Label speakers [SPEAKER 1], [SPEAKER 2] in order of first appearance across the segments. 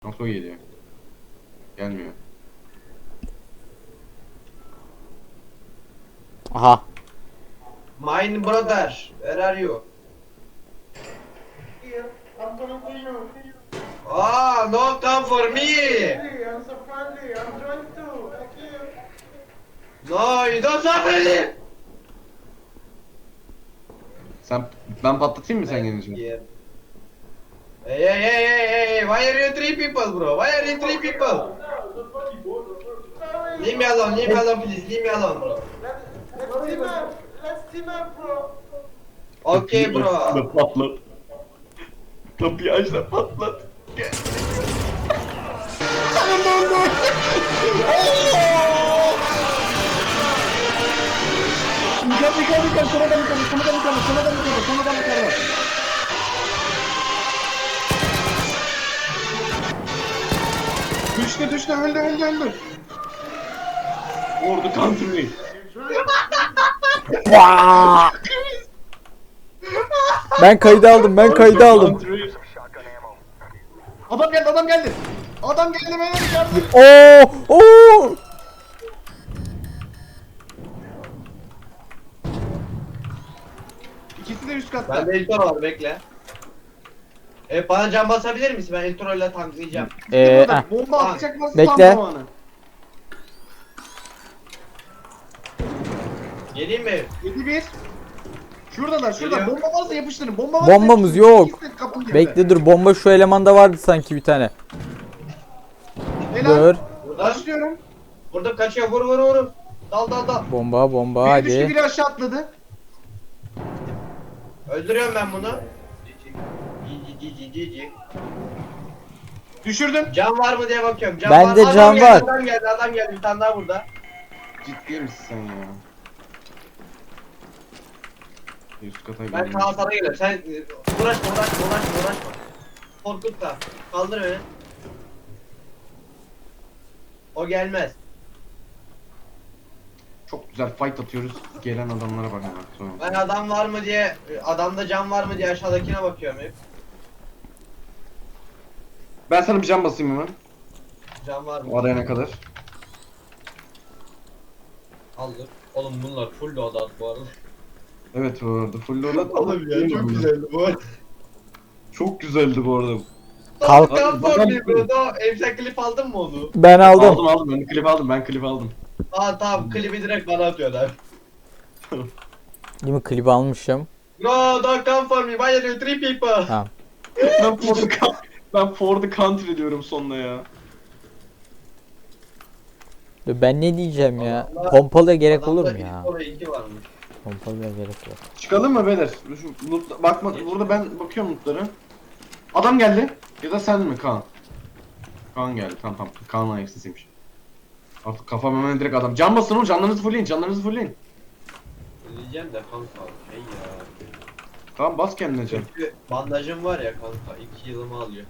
[SPEAKER 1] Nasıl geliyor? Gelmiyor.
[SPEAKER 2] Aha.
[SPEAKER 3] My brother, where are you?
[SPEAKER 4] Here, I'm coming to you.
[SPEAKER 3] Ah, no come for me.
[SPEAKER 4] Friendly, I'm so friendly. I'm trying to. Thank you.
[SPEAKER 3] No, you don't suffer me.
[SPEAKER 1] Ben patlatayım mı sen gelince?
[SPEAKER 3] Yeah. Hey, why are you three people, bro? Why are you three people?
[SPEAKER 4] Sorry.
[SPEAKER 3] Leave me alone, please, leave me alone, bro.
[SPEAKER 4] Let's team up. Let's team up, bro.
[SPEAKER 3] Okay, bro.
[SPEAKER 1] Patlat. Kapıyı aç da patlat. Gel. Dikkat, sonradan yukarı. Düştü, öldü. Ordu country.
[SPEAKER 2] Vaa! Ben kaydı aldım.
[SPEAKER 1] Country. Adam geldi. Adam geldi beyler yardım.
[SPEAKER 2] Oo! Oo!
[SPEAKER 1] İkisi de üst katta.
[SPEAKER 3] Bende intro var, bekle. Bana can basabilir misin? Ben intro ile tanklayacağım.
[SPEAKER 1] Bomba atacak varsa
[SPEAKER 2] Bekle.
[SPEAKER 1] tam zamanı.
[SPEAKER 3] Geleyim mi?
[SPEAKER 1] 7-1. Şuradalar.
[SPEAKER 3] Geliyor.
[SPEAKER 1] Bomba varsa yapıştırın. Bomba varsa
[SPEAKER 2] Bombamız
[SPEAKER 1] yapıştırın.
[SPEAKER 2] yok.
[SPEAKER 1] İkisi de kapının yanında.
[SPEAKER 2] Bekle dur, bomba şu elemanda vardı sanki bir tane.
[SPEAKER 1] Helal.
[SPEAKER 2] Dur.
[SPEAKER 3] Burada.
[SPEAKER 1] Başlıyorum.
[SPEAKER 3] Burada kaçıyor, vur. Dal.
[SPEAKER 2] Bomba
[SPEAKER 1] Biri düştü,
[SPEAKER 2] hadi.
[SPEAKER 1] biri aşağı atladı.
[SPEAKER 3] Öldürüyorum ben bunu. Cici.
[SPEAKER 1] Düşürdüm.
[SPEAKER 3] Can var mı diye bakıyorum. Can
[SPEAKER 2] Bende
[SPEAKER 3] var.
[SPEAKER 2] can var.
[SPEAKER 3] Adam geldi. Bir tane daha burada.
[SPEAKER 1] Ciddi misin sen ya? Üst kata
[SPEAKER 3] Ben
[SPEAKER 1] gidiyorum.
[SPEAKER 3] Kaan sana geliyorum. Sen uğraşma. Korkutma. Kaldır beni. O gelmez.
[SPEAKER 1] Çok güzel fight atıyoruz. Gelen adamlara bak hemen sonra.
[SPEAKER 3] Ben adam var mı diye, adamda can var mı diye aşağıdakine bakıyorum hep.
[SPEAKER 1] Ben sana bir can basayım hemen.
[SPEAKER 3] Can var mı?
[SPEAKER 1] O arayana kadar.
[SPEAKER 3] Aldır. Oğlum bunlar full loadout bu arada.
[SPEAKER 1] Evet bu arada full loadout.
[SPEAKER 3] Oğlum ya çok güzeldi bu arada.
[SPEAKER 1] Çok güzeldi bu arada.
[SPEAKER 2] Kalk.
[SPEAKER 3] Kalk
[SPEAKER 1] Bakalım.
[SPEAKER 3] bro. Sen klip aldın mı onu?
[SPEAKER 2] Ben aldım.
[SPEAKER 1] Aldım. Ben klip aldım.
[SPEAKER 3] Aa tamam, klibi direkt bana atıyorlar.
[SPEAKER 2] Değil mi, klibi almışım.
[SPEAKER 3] No, don't come for me. Why are you three people?
[SPEAKER 2] Tamam.
[SPEAKER 1] Ben for the country diyorum sonuna ya.
[SPEAKER 2] Dur, ben ne diyeceğim ya?
[SPEAKER 3] Allah.
[SPEAKER 2] Pompalıya gerek olur mu
[SPEAKER 3] Adamda
[SPEAKER 2] ya?
[SPEAKER 3] bir oraya iki varmış.
[SPEAKER 2] Pompalıya gerek yok.
[SPEAKER 1] Çıkalım mı beyler? Şu loot, bakma burada ben bakıyorum lootlara. Adam geldi. Ya da sen mi Kaan? Kaan geldi. Tamam. Kaan'ın ayak sesiymiş. Artık kafam hemen direkt adam. Can basın oğlum, canlarınızı fullleyin.
[SPEAKER 3] Diyeceğim de kanka şey ya.
[SPEAKER 1] Tamam bas kendine can.
[SPEAKER 3] Çünkü bandajım var ya kanka, 2 yılımı alıyor.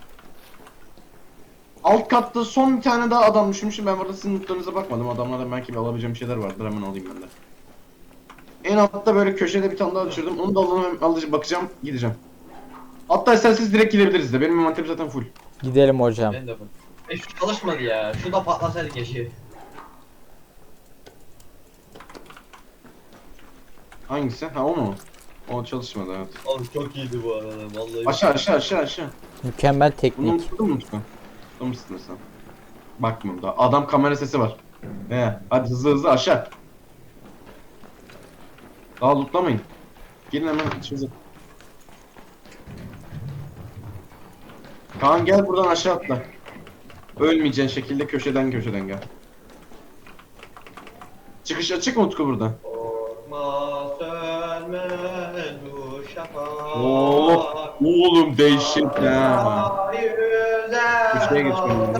[SPEAKER 1] Alt katta son bir tane daha adam düşmüşüm. Ben burada sizin lootlarınıza bakmadım. Adamlardan belki bir alabileceğim şeyler vardır. Hemen alayım ben de. En altta böyle köşede bir tane daha düşürdüm. Onu da alacağım, bakacağım, gideceğim. Hatta isterseniz direkt gidebiliriz de. Benim envanterim zaten full.
[SPEAKER 2] Gidelim hocam.
[SPEAKER 3] Ben de bu. Şu çalışmadı ya. Şu da patlasaydı keşke.
[SPEAKER 1] Hangisi? Ha o mu? O çalışmadı evet.
[SPEAKER 3] Oğlum çok iyiydi bu arada vallahi.
[SPEAKER 1] Aşağı.
[SPEAKER 2] Mükemmel
[SPEAKER 1] Bunu
[SPEAKER 2] teknik.
[SPEAKER 1] unuttun mu Utku? Unutmuşsun sen. Bakmıyorum da. Adam kamera sesi var. Hadi hızlı aşağı. Daha lootlamayın. Gelin hemen içimize. Kaan gel buradan aşağı atla. Ölmeyeceğin şekilde köşeden gel. Çıkış açık mı Utku burada?
[SPEAKER 3] Korkma sönmez bu şafak.
[SPEAKER 1] Oğlum değişik ha. Köşeye geçmem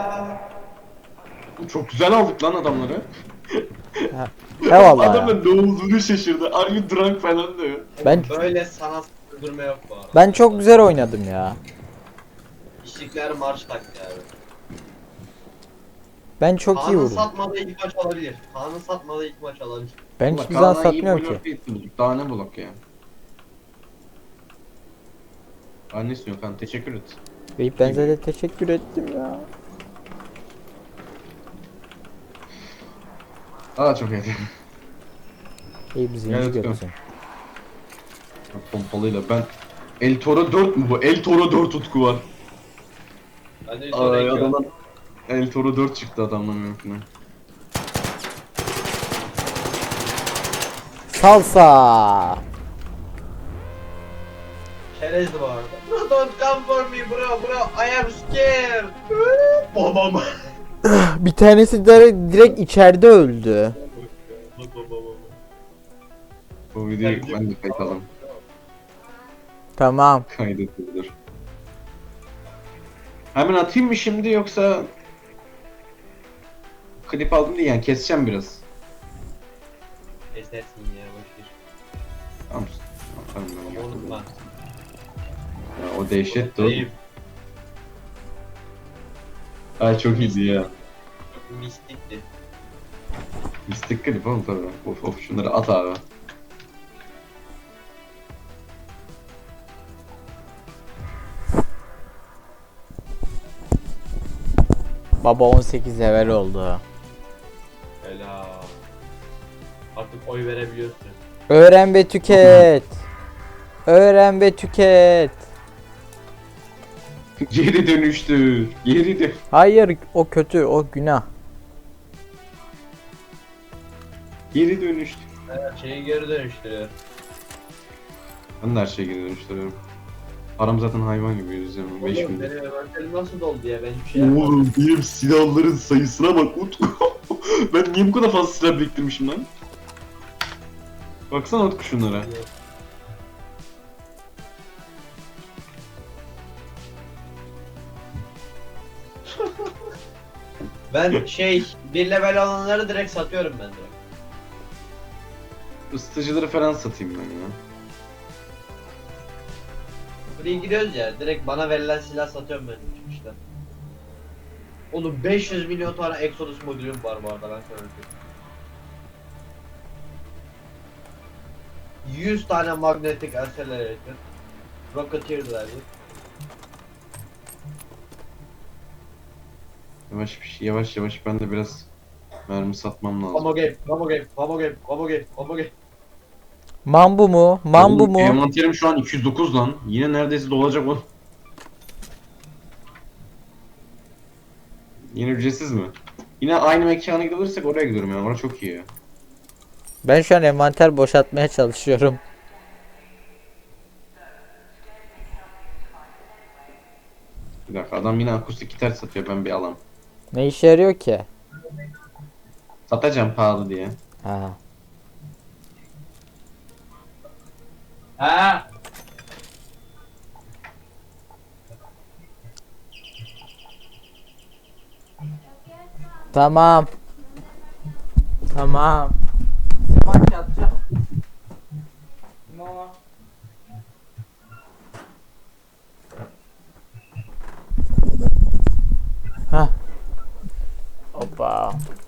[SPEAKER 1] Çok güzel aldık lan adamları.
[SPEAKER 2] Eyvallah ya.
[SPEAKER 1] Adamın ne olduğunu şaşırdı. Are you drunk falan diyor.
[SPEAKER 2] Ben
[SPEAKER 3] Böyle sanat öldürme yok bu arada.
[SPEAKER 2] ben çok güzel oynadım ya.
[SPEAKER 3] İşlikler marş taktı abi.
[SPEAKER 2] Ben çok iyi
[SPEAKER 3] Kaan'ın
[SPEAKER 2] vurdum.
[SPEAKER 3] satmadığı ilk maç alabilir.
[SPEAKER 2] Ben hiçbir zaman satmıyorum ki.
[SPEAKER 1] Daha ne bulak ya? Daha ne istiyorsun Kaan? Teşekkür et.
[SPEAKER 5] Beyip ben zaten teşekkür ettim ya.
[SPEAKER 1] Aa çok iyi.
[SPEAKER 5] Beyip zenci
[SPEAKER 1] Evet,
[SPEAKER 5] görsün.
[SPEAKER 1] Pompalıyla ben El Toro 4 mu bu? El Toro 4 Utku var.
[SPEAKER 3] Ben de
[SPEAKER 1] Ay
[SPEAKER 3] üstüne
[SPEAKER 1] adamdan El Toro 4 çıktı adamdan mümkün.
[SPEAKER 5] Salsa.
[SPEAKER 3] Çerezdi bu arada. Bro don't come for me bro I am scared. Babam.
[SPEAKER 5] Bir tanesi de direkt içeride öldü.
[SPEAKER 1] Bu videoyu ben de kayıtalım.
[SPEAKER 5] Tamam.
[SPEAKER 1] Kaydedilir. Hemen atayım mı şimdi yoksa klip aldım diye yani keseceğim biraz.
[SPEAKER 3] Esersin ya boşver.
[SPEAKER 1] Tamam. Atarım ben onu.
[SPEAKER 3] Unutma.
[SPEAKER 1] Ya, o dehşetti oğlum.
[SPEAKER 3] Ayıp.
[SPEAKER 1] Ay çok iyiydi ya.
[SPEAKER 3] Mistikti.
[SPEAKER 1] Mistik klip oğlum tabii. Of şunları at abi.
[SPEAKER 5] Baba 18 level oldu.
[SPEAKER 3] Helal. Artık oy verebiliyorsun.
[SPEAKER 5] Öğren ve tüket. Öğren ve tüket.
[SPEAKER 1] Geri dönüştür. Geri dön.
[SPEAKER 5] Hayır o kötü o günah.
[SPEAKER 1] Geri dönüştür.
[SPEAKER 3] Her şeyi geri dönüştürüyor.
[SPEAKER 1] Ben de her şeye geri dönüştürüyorum. Param zaten hayvan gibi yüzüyorum. 5
[SPEAKER 3] Oğlum
[SPEAKER 1] günde.
[SPEAKER 3] benim envanterim nasıl doldu ya ben hiçbir şey yapmadım.
[SPEAKER 1] Oğlum benim silahların sayısına bak Utku. Ben niye bu kadar fazla silah biriktirmişim lan? Baksana Utku şunlara.
[SPEAKER 3] Ben bir level olanları direkt satıyorum ben direkt.
[SPEAKER 1] Isıtıcıları falan satayım ben ya.
[SPEAKER 3] Buraya giriyoruz ya direkt bana verilen silah satıyorum ben çıkışta. Oğlum 500 milyon tane Exodus modülüm var bu arada ben sana söyleyeyim. 100 tane magnetic accelerator. Rocketeer driver.
[SPEAKER 1] Yavaş yavaş ben de biraz mermi satmam lazım.
[SPEAKER 3] Combo game, combo game, combo game, combo game, combo game.
[SPEAKER 5] Mambu mu? Mambu
[SPEAKER 1] Oğlum,
[SPEAKER 5] mu?
[SPEAKER 1] envanterim şu an 209 lan. Yine neredeyse dolacak o. Yine ücretsiz mi? Yine aynı mekana gidebilirsek oraya gidiyorum ya. Orası çok iyi ya.
[SPEAKER 5] Ben şu an envanter boşaltmaya çalışıyorum.
[SPEAKER 1] Bir dakika adam yine akustik gitar satıyor ben bir alam.
[SPEAKER 5] Ne işe yarıyor ki?
[SPEAKER 1] Satacağım pahalı diye.
[SPEAKER 5] Ha.
[SPEAKER 3] Ha?
[SPEAKER 5] Tamam. Tamam. Bak yatacağım. Mama. Ha. Hoppa.